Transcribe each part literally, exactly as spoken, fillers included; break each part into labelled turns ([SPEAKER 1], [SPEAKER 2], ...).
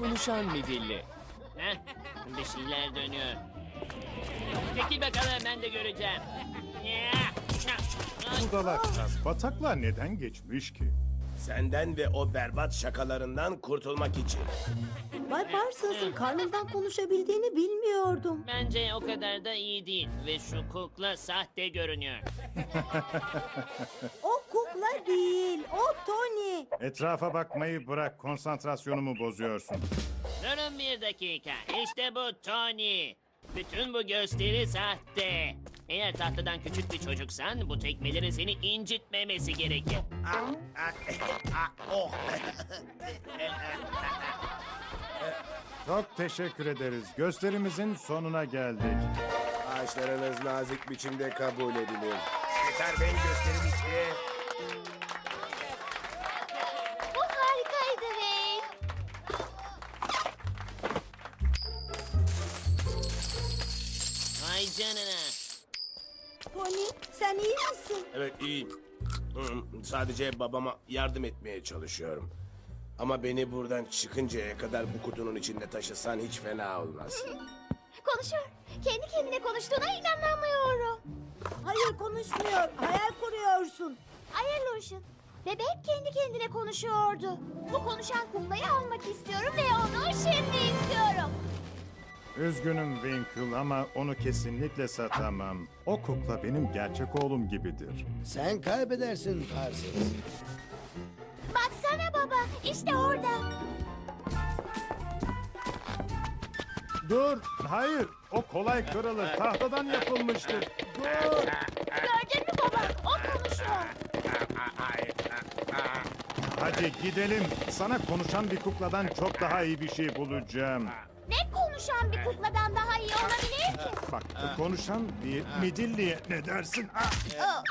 [SPEAKER 1] Konuşan midilli.
[SPEAKER 2] Heh, bir şeyler dönüyor. Çekil bakalım, ben de göreceğim.
[SPEAKER 3] Budalaklar bataklığa neden geçmiş ki?
[SPEAKER 4] Senden ve o berbat şakalarından kurtulmak için.
[SPEAKER 5] Bay Parsons'ın karnından konuşabildiğini bilmiyordum.
[SPEAKER 2] Bence o kadar da iyi değil ve şu kukla sahte görünüyor.
[SPEAKER 5] O kukla değil, o Tony.
[SPEAKER 3] Etrafa bakmayı bırak, konsantrasyonumu bozuyorsun.
[SPEAKER 2] Durun bir dakika, işte bu Tony. Bütün bu gösteri sahte. Eğer tahtadan küçük bir çocuksan bu tekmelerin seni incitmemesi gerekir.
[SPEAKER 4] Ah, ah, ah, oh.
[SPEAKER 3] Çok teşekkür ederiz. Gösterimizin sonuna geldik.
[SPEAKER 4] Ağaçlarınız nazik biçimde kabul edilir. Yeter benim gösterim bitti.
[SPEAKER 6] Bu harikaydı Wayne.
[SPEAKER 2] Vay canına.
[SPEAKER 5] Tony, sen iyi misin?
[SPEAKER 4] Evet iyiyim. Hmm, Sadece babama yardım etmeye çalışıyorum. Ama beni buradan çıkıncaya kadar bu kutunun içinde taşısan hiç fena olmaz.
[SPEAKER 6] Konuşuyor. Kendi kendine konuştuğuna inanamıyorum.
[SPEAKER 5] Hayır, konuşmuyor. Hayal kuruyorsun.
[SPEAKER 6] Hayır Lucian. Bebek kendi kendine konuşuyordu. Bu konuşan kuklayı almak istiyorum ve onu şimdi istiyorum.
[SPEAKER 3] Üzgünüm Winkle ama onu kesinlikle satamam. O kukla benim gerçek oğlum gibidir.
[SPEAKER 7] Sen kaybedersin Parsons.
[SPEAKER 6] Baksana baba, işte orada.
[SPEAKER 3] Dur, hayır. O kolay kırılır. Tahtadan yapılmıştır. Dur.
[SPEAKER 6] Gördün mü baba? O konuşuyor.
[SPEAKER 3] Hadi gidelim. Sana konuşan bir kukladan çok daha iyi bir şey bulacağım.
[SPEAKER 6] Ne konuşan bir kukladan daha iyi olabilir ki?
[SPEAKER 3] Bak, konuşan bir midilliye ne dersin? Ah!
[SPEAKER 6] Oh.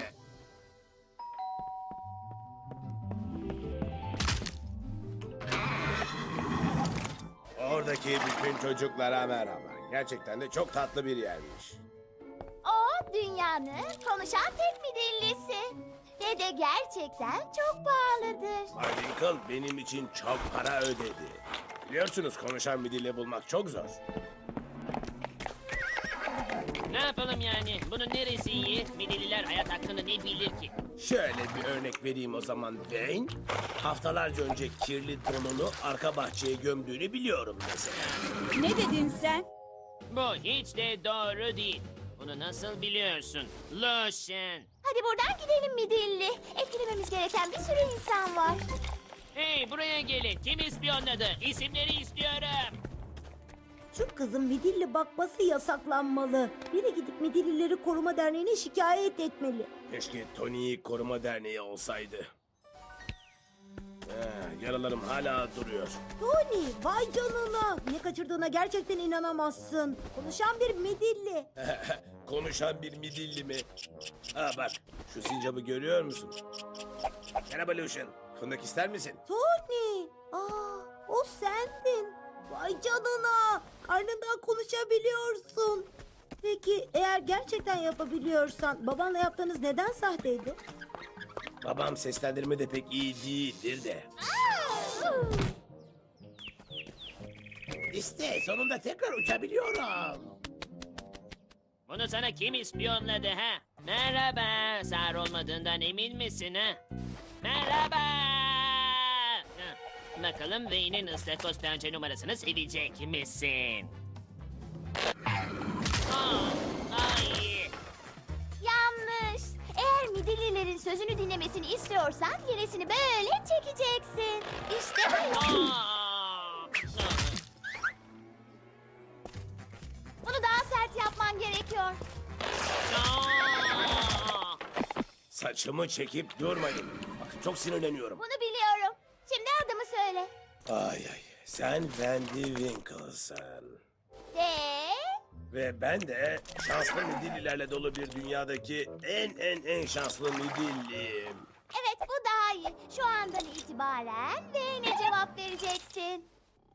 [SPEAKER 4] Oradaki bütün çocuklara merhaba. Gerçekten de çok tatlı bir yermiş.
[SPEAKER 6] O dünyanın konuşan tek midillisi. Ve de gerçekten çok pahalıdır.
[SPEAKER 4] Bay Winkle benim için çok para ödedi. Biliyorsunuz konuşan bir dille bulmak çok zor.
[SPEAKER 2] Ne yapalım yani? Bunun neresi iyi? Midilliler hayat hakkında ne bilir ki?
[SPEAKER 4] Şöyle bir örnek vereyim o zaman Wayne. Haftalarca önce kirli donunu arka bahçeye gömdüğünü biliyorum mesela.
[SPEAKER 8] Ne dedin sen?
[SPEAKER 2] Bu hiç de doğru değil. Bunu nasıl biliyorsun? Lucian.
[SPEAKER 6] Hadi buradan gidelim midilli. Etkilememiz gereken bir sürü insan var.
[SPEAKER 2] Hey, buraya gelin. Kim ispiyonladı? İsimleri istiyorum.
[SPEAKER 5] Şu kızın midilli bakması yasaklanmalı. Biri gidip Midillileri Koruma Derneği'ne şikayet etmeli.
[SPEAKER 4] Keşke Tony'yi Koruma Derneği olsaydı. He, yaralarım hala duruyor.
[SPEAKER 5] Tony, vay canına. Ne kaçırdığına gerçekten inanamazsın. Konuşan bir midilli.
[SPEAKER 4] Konuşan bir midilli mi? Ha bak, şu sincabı görüyor musun? Merhaba Lucian, fındık ister misin?
[SPEAKER 5] Tony, aa, o sendin. Vay canına. Karnından konuşabiliyorsun. Peki eğer gerçekten yapabiliyorsan babanla yaptığınız neden sahteydi?
[SPEAKER 4] Babam seslendirme de pek iyi değildir de. İşte sonunda tekrar uçabiliyorum.
[SPEAKER 2] Bunu sana kim ispiyonladı ha? Merhaba. Sağır olmadığından emin misin ha? Merhaba. Ha, bakalım Wayne'in ıstakoz pençe numarasını sevecek misin? Aa, ay.
[SPEAKER 6] Yanlış. Eğer midillilerin sözünü dinlemesini istiyorsan gerisini böyle çekeceksin. İşte bu.
[SPEAKER 2] Aa.
[SPEAKER 6] Bunu daha sert yapman gerekiyor.
[SPEAKER 2] Aa.
[SPEAKER 4] Saçımı çekip durmayın. Bak çok sinirleniyorum.
[SPEAKER 6] Bunu biliyorum. Şimdi adımı söyle.
[SPEAKER 4] Ay ay, sen Wendy Winkle'sın.
[SPEAKER 6] De.
[SPEAKER 4] Ve ben de şanslı midillilerle dolu bir dünyadaki en en en şanslı midilliyim.
[SPEAKER 6] Evet bu daha iyi. Şu andan itibaren ve ne cevap vereceksin?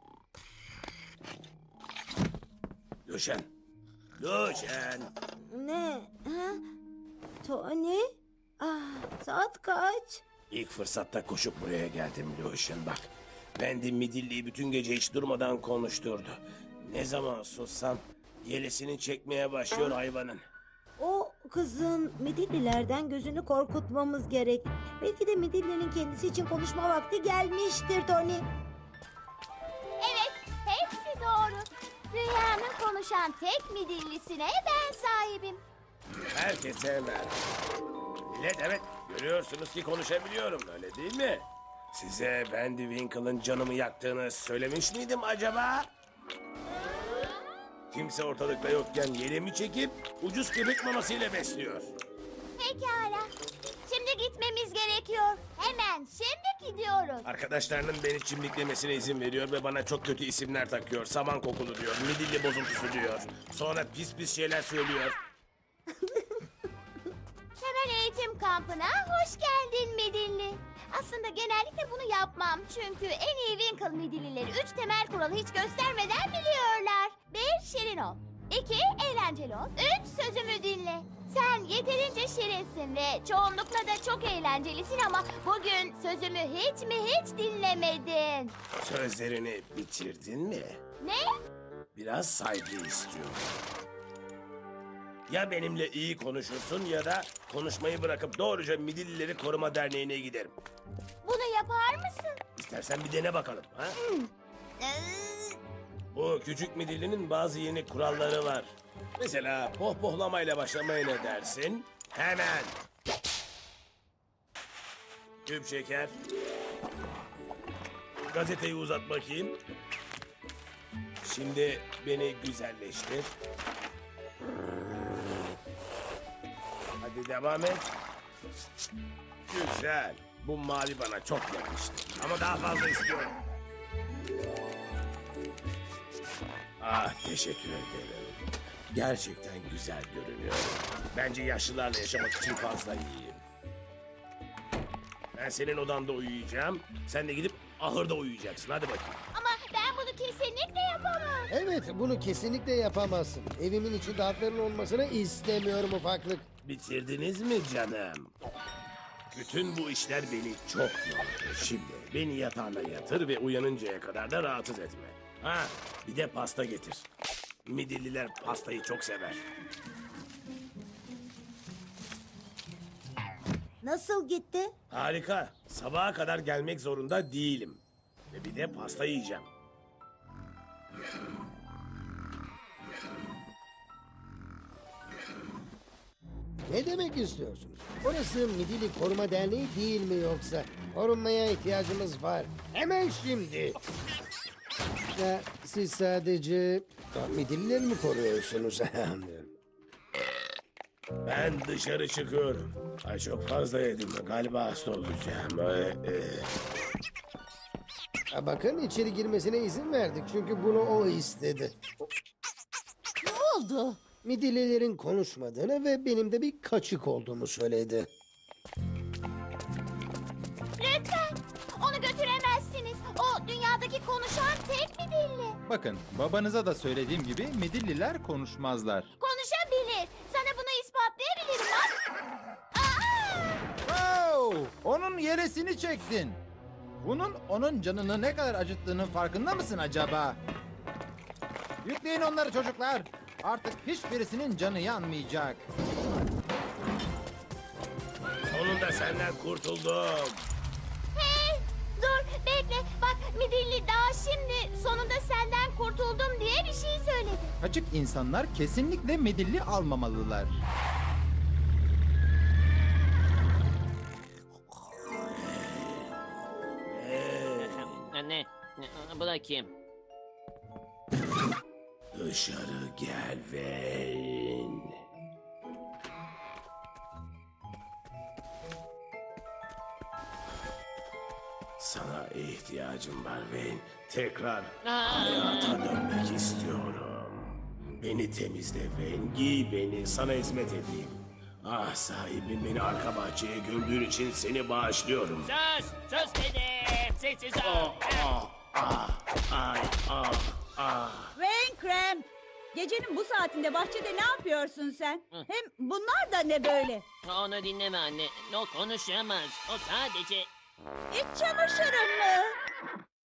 [SPEAKER 4] Lucian. Lucian.
[SPEAKER 5] Ne? Ha? Tony? Ah, saat kaç?
[SPEAKER 4] İlk fırsatta koşup buraya geldim Lucian bak. Wendy Midilli'yi bütün gece hiç durmadan konuşturdu. Ne zaman sussam yelesini çekmeye başlıyor hayvanın.
[SPEAKER 5] O kızın Midillilerden gözünü korkutmamız gerek. Belki de Midilli'nin kendisi için konuşma vakti gelmiştir Tony.
[SPEAKER 6] Evet, hepsi doğru. Dünyanın konuşan tek midillisine ben sahibim.
[SPEAKER 4] Herkese merhaba. Millet, evet, görüyorsunuz ki konuşabiliyorum, öyle değil mi? Size Wendy Winkle'ın canımı yaktığını söylemiş miydim acaba? Kimse ortalıkta yokken yelemi çekip ucuz köpek mamasıyla besliyor.
[SPEAKER 6] Pekala. Şimdi gitmemiz gerekiyor. Hemen şimdi gidiyoruz.
[SPEAKER 4] Arkadaşlarının beni çimdiklemesine izin veriyor ve bana çok kötü isimler takıyor. Saman kokulu diyor, midilli bozuntusu diyor. Sonra pis pis şeyler söylüyor.
[SPEAKER 6] Temel eğitim kampına hoş geldin Midilli. Aslında genellikle bunu yapmam. Çünkü en iyi Winkle Midillileri üç temel kuralı hiç göstermeden biliyorlar. Bir, şirin ol. İki, eğlenceli ol. Üç, sözümü dinle. Sen yeterince şirinsin ve çoğunlukla da çok eğlencelisin ama bugün sözümü hiç mi hiç dinlemedin.
[SPEAKER 4] Sözlerini bitirdin mi?
[SPEAKER 6] Ne?
[SPEAKER 4] Biraz saygı istiyorum. Ya benimle iyi konuşursun ya da konuşmayı bırakıp doğruca Midillileri Koruma Derneği'ne giderim.
[SPEAKER 6] Bunu yapar mısın?
[SPEAKER 4] İstersen bir dene bakalım. Ha?
[SPEAKER 6] Ee,
[SPEAKER 4] Bu küçük midillinin bazı yeni kuralları var. Mesela pohpohlamayla başlamaya ne dersin? Hemen. Küp şeker. Gazeteyi uzat bakayım. Şimdi beni güzelleştir. Hadi devam et. Güzel. Bu mavi bana çok yakıştı. Ama daha fazla istiyorum. Ah, teşekkür ederim. Gerçekten güzel görünüyor. Bence yaşlılarla yaşamak için fazla iyiyim. Ben senin odanda uyuyacağım. Sen de gidip ahırda uyuyacaksın. Hadi bakayım.
[SPEAKER 6] ama ben bunu kesinlikle yapamam.
[SPEAKER 7] Evet, bunu kesinlikle yapamazsın. Evimin içinde hakların olmasını istemiyorum ufaklık.
[SPEAKER 4] Bitirdiniz mi canım? Bütün bu işler beni çok yordu. Şimdi beni yatağına yatır ve uyanıncaya kadar da rahatsız etme. Ha, bir de pasta getir. Midilliler pastayı çok sever.
[SPEAKER 5] Nasıl gitti?
[SPEAKER 4] Harika. Sabaha kadar gelmek zorunda değilim. Ve bir de pasta yiyeceğim.
[SPEAKER 7] Ne demek istiyorsunuz? Orası Midilli Koruma Derneği değil mi yoksa? Korunmaya ihtiyacımız var. Hemen şimdi. Ya, siz sadece ya, Midillileri mi koruyorsunuz? Anlıyorum.
[SPEAKER 4] Ben dışarı çıkıyorum. Ay çok fazla yedim. Galiba hasta olacağım. Ee, e,
[SPEAKER 7] Ha, bakın içeri girmesine izin verdik çünkü bunu o istedi.
[SPEAKER 6] Ne oldu?
[SPEAKER 7] Midillilerin konuşmadığını ve benim de bir kaçık olduğumu söyledi.
[SPEAKER 6] Lütfen. Onu götüremezsiniz. O dünyadaki konuşan tek midilli.
[SPEAKER 1] Bakın, babanıza da söylediğim gibi Midilliler konuşmazlar.
[SPEAKER 6] Konuşabilir. Sana bunu ispatlayabilirim bak. Aa!
[SPEAKER 1] Wow! Onun yelesini çektin. Bunun onun canını ne kadar acıttığının farkında mısın acaba? Yükleyin onları çocuklar. Artık hiçbirisinin canı yanmayacak.
[SPEAKER 4] sonunda senden kurtuldum.
[SPEAKER 6] Hey, dur bekle. Bak midilli daha şimdi sonunda senden kurtuldum diye bir şey söyledi.
[SPEAKER 1] Açık insanlar kesinlikle Midilli almamalılar.
[SPEAKER 2] Anne, bu da kim?
[SPEAKER 4] Dışarı gel Wayne. Sana ihtiyacım var Wayne. Tekrar hayata dönmek istiyorum. Beni temizle Wayne. Giy beni. Sana hizmet edeyim. Ah sahibim, beni arka bahçeye gömdüğün için seni bağışlıyorum.
[SPEAKER 2] Sus! Sus dedim! Sessiz ol!
[SPEAKER 4] Ah, ah, ah, ay, ah, ah.
[SPEAKER 8] Rain Krem. Gecenin bu saatinde bahçede ne yapıyorsun sen? Hem bunlar da ne böyle?
[SPEAKER 2] Onu dinleme anne. O konuşamaz. O sadece...
[SPEAKER 8] İç çamaşırın mı?